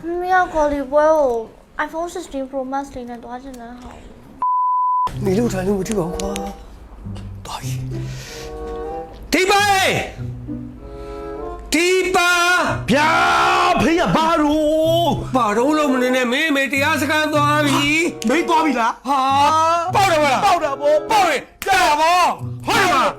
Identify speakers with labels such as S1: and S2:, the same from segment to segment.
S1: 没有考虑过 iPhone 16 Pro Max 里面多少钱能好？
S2: 你六产你我这个花，大爷，第八，第八，
S3: ဗျာဖေးရဘာလို့
S2: 把肉肉们的妹妹第二次看多比，
S3: မင်းသွားပြီလား
S2: 哈，抱着我了，
S3: ပေါက်တာဗော
S2: 抱着，干啥不？快点嘛！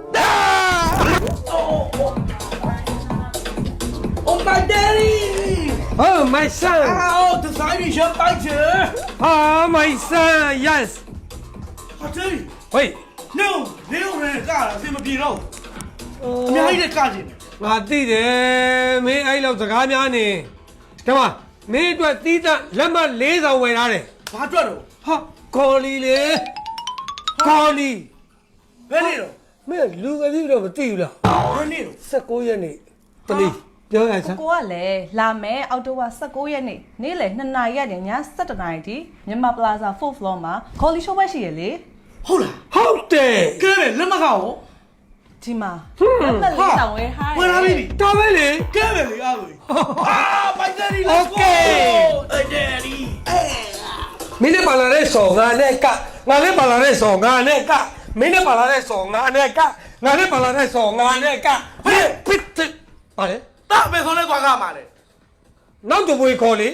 S3: Oh my daddy
S2: Oh my son，
S3: Oh the side is your bike
S2: 啊 my son，yes，
S3: ဟာတယ်
S2: 喂，
S3: no နေဦးရကလာအစင်မပြေတော့အများကြီးလည်းကကျင်တယ်
S2: 我弟弟没挨了这个面呢，干嘛？没赚地产，人们脸上为啥嘞？
S3: ဘာအတွက်တော့
S2: 哈，高丽嘞，高丽，
S3: ဘယ်နေတော့
S2: 没六个地都不对了，
S3: ဘယ်နေတော့
S2: 19月呢，这里表演啥？
S4: ကိုကလည်းလာမယ်အောက်တိုဘာ19ရက်နေ့နေ့လယ်2နာရီကနေည7နာရီထိမြန်မာပလာဇာ 4th floor မှာ Golly Show ပဲရှိရလေ
S3: ဟုတ်လား
S2: 好的，
S3: ကဲပဲလက်မကော
S4: ဒီမှာလက်မှတ်လေးတောင်းဝဲထား
S3: ဝင်လာပြီ
S2: 大卫嘞，
S3: ကဲပဲလေအားကိုအာ my daddy let's go
S2: Okay.
S3: my daddy
S2: 明天把那的手啊那个，俺那把那的手啊那个，明天把那的手啊那个，俺那把那的手啊那个，别别这，啊嘞，
S3: တာပဲခေါ်လဲသွားကားမှာလေ
S2: 那就不会考虑。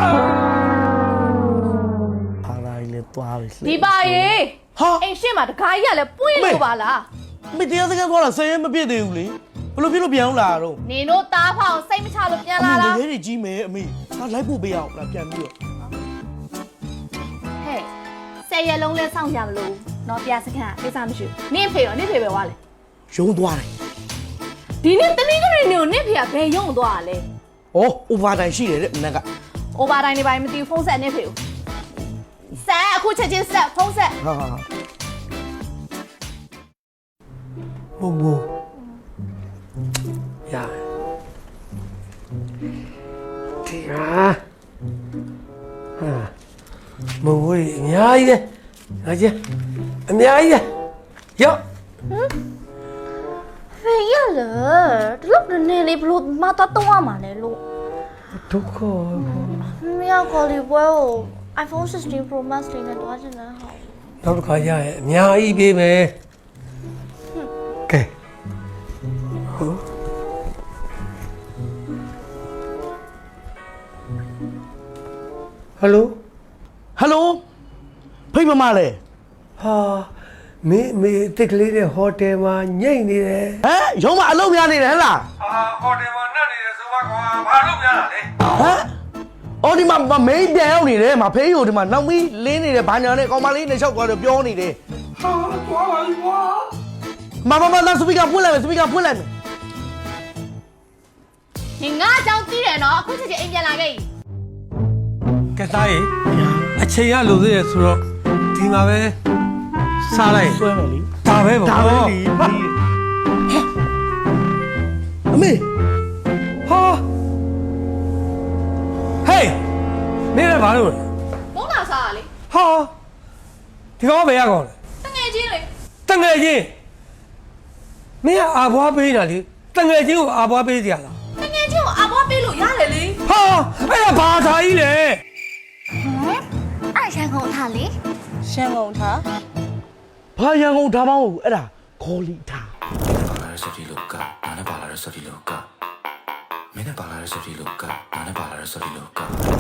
S3: အားလာလေသွားပြီ
S5: ဒီပါရေ
S3: ဟာ
S5: အိမ်ရှင်းမှာတခါကြီးကလည်းပွင့်လို့ပါလား
S3: မတရားစကားသွားတာဆယ်ရက်မပြည့်သေးဘူးလေဘလို့ပြလို့ပြန်လာတော့
S5: နင်တို့တားဖောင်စိတ်မချလို့ပြန်လာ
S3: အ
S5: လား
S3: မေရဲကြီးမယ်အမေငါလိုက်ဖို့ပေးအောင်လားပြန်ပြီးတော့
S5: ဟဲ့10ရက်လုံးလဲစောင့်ကြမလို့နော်ပြစခန်းကိစ္စမရှိဘူးနင့်ဖေရောနင့်ဖေပဲဝါလေ
S3: ရုံးသွားတယ်
S5: ဒီနေ့တနင်္ဂနွေနေ့ကိုနင့်ဖေကဘယ်ရုံသွားတာလဲ
S3: ဩ over time ရှိတယ်တဲ့မနက်က
S5: အိုဘာတိုင်းနေပိုင်းမသိဘူးဖုန်းဆက်နင့်ဖေကိုဆက်အခုချက်ချင်းဆက်ဖုန်းဆက်
S3: ဟာဟာ
S2: 不不，呀，这个啊，不会，伢子，阿姐，伢子，哟，
S1: 飞呀了，这老人那里不路马达多嘛来路，
S2: 都可。
S1: 没有考虑过 iPhone 16 Pro Max 里面多少钱能好？
S2: နောက်တစ်ခါရရဲ့အများကြီးပေးမယ်ကဲဟုတ်ဟယ်လို
S3: ဟယ်လိုဖိတ်မမလဲ
S2: ဟာမေတစ်ကလေးတဲ့ဟိုတယ်မှာညိတ်နေတယ်
S3: ဟမ်ရုံးမအလုပ်များနေတယ်ဟဲ့လား
S2: ဟာဟိုတယ်မှာနှက်နေတယ်ဆိုပါကွာဘာလို့များတာလဲ
S3: ဟမ်အော်ဒီမှာမင်းပြန်ရောက်နေတယ်မဖေးကိုဒီမှာနောက်မီးလင်းနေတယ်ဘာညာနဲ့ကောင်မလေးနဲ့လျှောက်သွားတယ်ပြောနေတယ်
S2: ဟာကွာပါကွာ
S3: မလာစပီကာဖွင့်လိုက်မယ်စပီကာဖွင့်လိုက်မယ်
S5: နင်ငါအကြောင်းသိတယ်နော်အခုချက်ချင်းအိမ်ပြန်လာခဲ့ပြီ
S2: ကဲသားရေအချိန်ရလို့သေးတယ်ဆိုတော့ဒီမှာပဲစားလိုက်
S3: ဆွဲမယ်လी
S2: ဒါပဲပေါ့
S3: ဒါပဲလीအမေ
S2: ဟာဟေးမင်းလည်းဘာလို့လဲ
S5: ဘုံလာစားတာလေ
S2: ဟာဒီကောင်ကဘယ်ရကောင်လဲ
S5: တငယ်ချင်းလေ
S2: တငယ်ချင်းမင်းကအာဘွားပေးတာလေတငယ်ချင်းကိုအာဘွားပေးကြလား
S5: တငယ်ချင်းကိုအဘွားပေးလို့ရတယ်လေ
S2: ဟာအဲ့ဒါဘာသာကြီးလဲ
S1: 爱香港他哩？
S4: ရှင်းကုန်ထား
S3: ဘာရန်ကုန်ဒါမှမဟုတ်ဘူးအဲ့ဒါခေါ်လီထား
S6: ပါလာတဲ့စတီလောကနာနဲ့ပါလာတဲ့စတီလောကမင်းနဲ့ပါလာတဲ့စတီလောကနာနဲ့ပါလာတဲ့စတီလောက